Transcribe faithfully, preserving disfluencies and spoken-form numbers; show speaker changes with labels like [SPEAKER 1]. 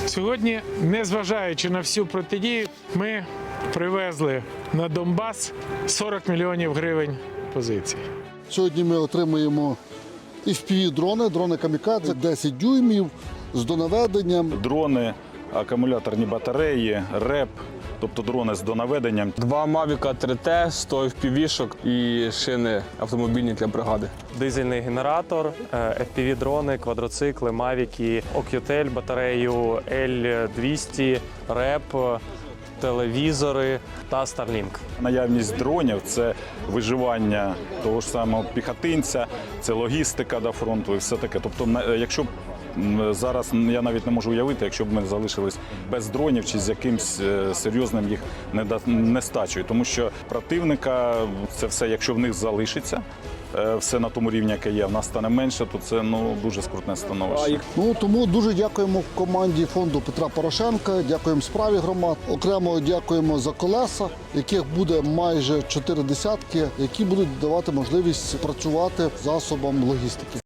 [SPEAKER 1] Сьогодні, незважаючи на всю протидію, ми привезли на Донбас сорок мільйонів гривень позицій.
[SPEAKER 2] Сьогодні ми отримуємо еф пі ві-дрони, дрони камікадзе, десять дюймів з донаведенням.
[SPEAKER 3] Дрони, акумуляторні батареї, реп, тобто дрони з донаведенням.
[SPEAKER 4] Два Мавіка три Т, сто еф пі ві-шок і шини автомобільні для бригади.
[SPEAKER 5] Дизельний генератор, еф пі ві-дрони, квадроцикли, мавіки, Ок'ютель, батарею Ель двісті, реп, телевізори та Starlink.
[SPEAKER 3] Наявність дронів – це виживання того ж самого піхотинця, це логістика до фронту і все таке. Тобто, якщо б зараз я навіть не можу уявити, якщо б ми залишились без дронів чи з якимсь серйозним їх нестачею. Тому що противника це все, якщо в них залишиться, все на тому рівні, яке є, в нас стане менше, то це ну, дуже скрутне становище.
[SPEAKER 2] Ну, тому дуже дякуємо команді фонду Петра Порошенка, дякуємо справі громад. Окремо дякуємо за колеса, яких буде майже чотири десятки, які будуть давати можливість працювати засобам логістики.